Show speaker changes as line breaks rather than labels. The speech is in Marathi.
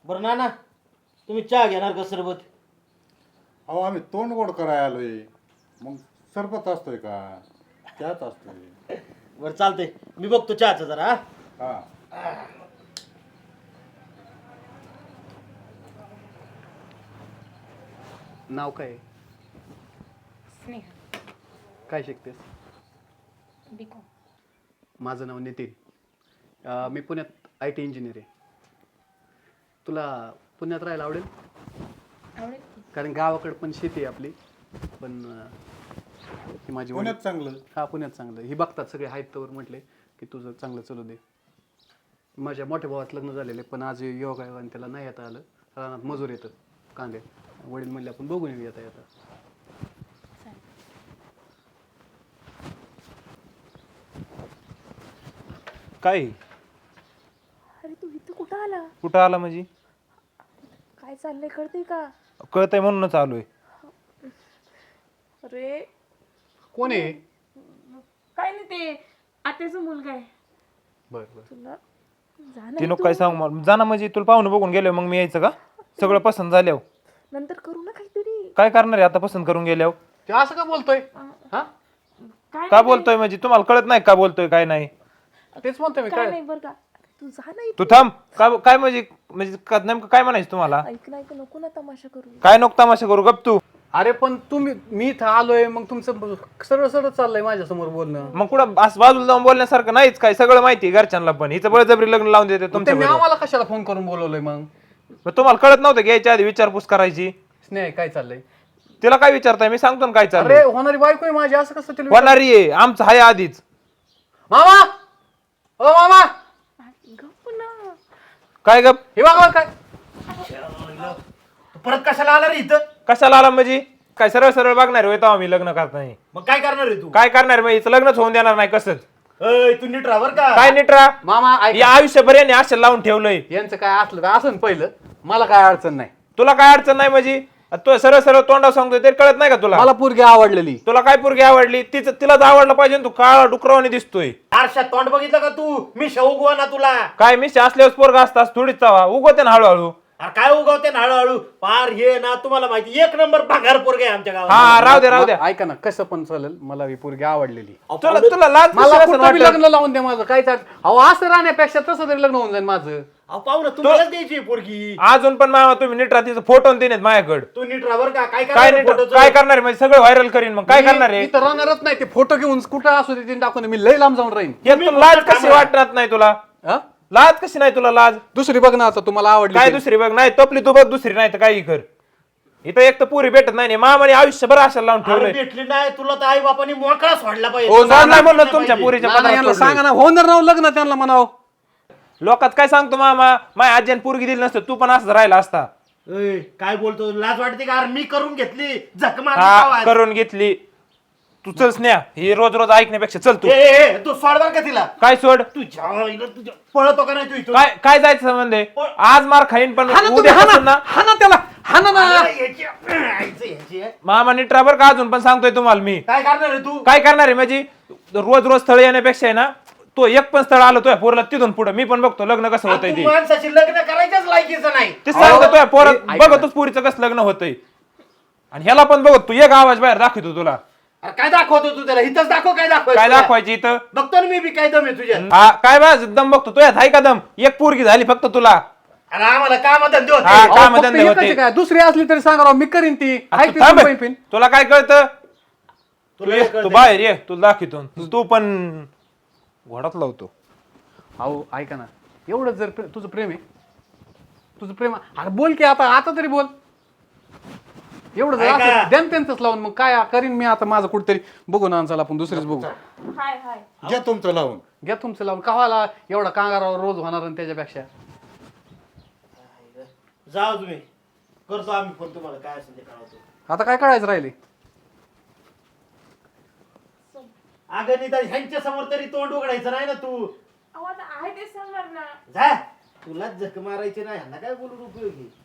बरं ना तुम्ही चहा घेणार का सरबत?
अहो आम्ही तोंड गोड करायला आलोय, मग सरबत असतोय का चहाच असतोय?
बरं चालतंय, मी बघतो चहाचं जरा.
हा
नाव काय?
स्नेहा.
काय शिकतेस?
बिकॉम.
माझं नाव नितीन. मी पुण्यात IT इंजिनियर आहे. तुला पुण्यात राहायला आवडेल?
आवडेल की?
कारण गावाकडे पण शेती आहे आपली, पण ही माझी
पुण्यात चांगलं.
हा पुण्यात चांगलं. ही बघतात सगळे आहेत तर म्हटले की तुझं चांगलं चलू दे. माझ्या मोठ्या भावात लग्न झालेले, पण आज योगायोगाने त्याला नाही येता आलं. रानात मजूर येतं कांदे. वडील म्हणले आपण बघून येऊ येता येता.
चालेल.
काय
अरे तू इथं कुठं आला?
कुठं आला म्हणजे?
काय चाललंय कळतंय का?
कळतंय म्हणूनच आलोय.
अरे
कोण आहे?
काय नाही, ते आत्याचा मुलगा आहे.
बरं बरं.
तुला
ती
जाणार
नको काय सांग मला. जाना म्हणजे तुला पाहुणं बघून गेल्यावर मग मी यायचं का? सगळं पसंत झाल्यावर
नंतर करू ना काहीतरी.
काय करणार आहे आता पसंत करून गेल्यावर?
ते असं का बोलतोय? हा
काय
का बोलतोय म्हणजे तुम्हाला कळत नाही का बोलतोय काय नाही?
तेच म्हणतोय मी.
काय
काय
नाही बरं का. तू जा ना
तू
इथून.
थांब. काय काय म्हणजे म्हणजे नेमकं काय म्हणायचं तुम्हाला?
ऐक ना, ऐक, नको ना तमाशा करू.
काय नको तमाशा करू, गप तू.
अरे पण मी इथं आलोय, मग तुमचं सरळ सरळ चाललंय माझ्या समोर बोलणं.
मग कुठं असं बाजूला जाऊन बोलण्यासारखं नाहीच काय, सगळं माहिती आहे घरच्यांना पण. हिचं बळजबरी लग्न लावून देते तुमच्या
त्यांनी
बरोबर.
आम्हाला कशाला फोन करून बोलवलंय मग?
मग तुम्हाला कळत नव्हतं की यायच्या आधी विचारपूस करायची?
स्नेह काय चाललंय?
तिला काय विचारताय? मी सांगतो ना काय
अरे
चाललंय.
होणारी बायको आहे माझी, असं कसं तिला
होणारी आहे, आमचं आहे आधीच.
मामा, ओ मामा,
गप्प ना.
काय गप?
हे बघा काय.
तू परत कशाला आला रे इथं?
कशाला आला म्हणजे? काय सरळ सरळ बघणार होय तेव्हा मी लग्न करताना?
मग काय करणार आहे तू?
काय करणार मग? हिचं लग्नच होऊन देणार नाही कसंच.
अय, तू नीट राहा बरं का.
काय निटरा?
मामा ऐक,
या आयुष्यभर याने असं लावून ठेवलंय.
यांचं काय असलं तर असं पहिलं, मला काय अडचण नाही.
तुला काय अडचण नाही म्हणजे? तो सरळ सरळ तोंडावर सांगतोय ते कळत नाही का तुला?
मला पोरगी आवडलेली.
तुला काय पोरगी आवडली? तिलाच आवडलं पाहिजे ना. तू काळा डुकरावाने दिसतोय.
आरशात तोंड बघितलं का तू? मी शेवगुवा ना तुला.
काय मिशी असल्यावर पोरगा असतास थोडीच चावा उगवते ना हळूहळू.
अरे काय उगवते ना हळूहळू? पार हे ना तुम्हाला माहिती, एक नंबर भागार पोरगे आहे आमच्या गावात.
हा राहू द्या.
ऐका ना, कसं पण चालेल, मला ही पोरगी आवडलेली.
तुला लाज कशी
मला
असेल
कुठं बी
वाटलं?
लग्न लावून द्या माझं, काय चाल. अहो असं राहण्यापेक्षा तसं तरी लग्न होऊन जाईल माझं.
अहो पाहू ना, तुम्हालाच द्यायची आहे पोरगी.
अजून पण मामा तुम्ही नीट राहतीचं फोटो देण्यात माझ्याकडे.
तू नीट राहा बरं का. काय
काय
करणार
नीट
फोटोचं?
काय करणार आहे म्हणजे? सगळं व्हायरल करीन मग काय करणार आहे?
मी तर राहणारच नाही. ते फोटो घेऊन कुठं असू दे टाकून मी लय लांब जाऊन राहीन.
हे तुला लाज कशी वाटणार नाही तुला?
हा?
लाज कशी नाही तुला लाज?
दुसरी बघ ना आता, तुम्हाला आवडली
काय
ती.
दुसरी बघ? नाही तपली तू बघ दुसरी, नाही तर काही कर. इथं एक तर पुरी भेटत नाही. मामाने आयुष्यभर आशाला लावून
अरे
ठेवलंय.
भेटली नाही तुला तर आई बापानी मोकळा सोडला
हो,
पाहिजे.
सोडलाय म्हणून तुमच्या पुरीच्या
नाना
पदरात
यांना
सोडलंय.
सांगा ना, होणार राव लग्न त्यांना म्हणावं.
लोकात काय सांगतो मामा? माझ्या आजीने पोरगी दिली नसतं तू पण असं राहिला असता.
ए, काय बोलतो? लाज वाटते का? अरे मी करून घेतली, झक
हा
मारली.
करून घेतली. तू चल स्नेहा, हे रोज रोज ऐकण्यापेक्षा चल तू.
तू सोड बर का तिला.
काय सोड?
तुझ्या पळतो का नाही तू इथून?
काय काय जायचं संबंध आहे? आज मार खाईन पण
हा ना तुम्ही,
उद्या
हा
पासून
ना,
ना
हा ना त्याला, हा ना ना.
अरे, याची आहे.
मामा नीटराबर का अजून पण सांगतोय तुम्हाला मी.
काय करणार आहे तू?
काय करणार आहे म्हणजे? रोज रोज स्थळ येण्यापेक्षा आहे ना, तो एक पण स्थळ आलं तुझ्या पोरला तिथून पुढे मी पण बघतो लग्न कसं होतंय
तू
ते.
माणसाची लग्न करायच्याच लायकीचं नाही.
ते सांगतो तुझ्या पोरात
ऐका ना.
बघतोच पुरीचं कसं लग्न होतंय. आणि ह्याला पण बघत तू एक आवाज बाहेर दाखवतो तुला.
अरे काय दाखवतो तू त्याला? इथंच दाखव काय दाखव.
काय दाखवायची इथं?
बघतो ना मी बी काय दम आहे तुझ्या.
हा काय बाज दम बघतो तुझ्यात आहे का दम? एक पोरगी झाली फक्त तुला.
अरे आम्हाला काम धंदे
हा,
होते.
अहो,
काम
फक्त
धंदे
एकच
होते.
आहे काय? दुसरी असली तरी सांगा राव, मी करीन ती.
आता
ऐक ती
थांब.
सुनबाई पिन.
तुला काय कळतं? तू
तुला
ये,
कळतंय?
तू बाहेर ये, तुला दाखवतो. तू पण घोडात लावतो.
अहो ऐका ना, एवढं जर तुझं प्रेम आहे, तुझं प्रेम, अरे बोल की आता, आता तरी बोल. एवढं जर
ऐका.
असं द्या ना त्यांचंच लावून, मग काय करीन मी आता माझं कुठतरी बघू ना, चला आपण दुसरीच बघू.
हाय हाय.
घ्या तुमचं लावून.
घ्या तुमचं लावून, कवाला एवढा कांगारावर रोज होणार आणि त्याच्यापेक्षा.
जाऊ तुम्ही, करतो आम्ही फोन तुम्हाला काय असेल ते कळवतो.
आता काय कळायचं राहिले?
अगं निदान ह्यांच्या समोर तरी तोंड उघडायचं नाही ना तू.
अहो आता आहे ते सांगणार ना.
जा, तुलाच झक मारायची नाही, ह्यांना काय बोलून उपयोगी.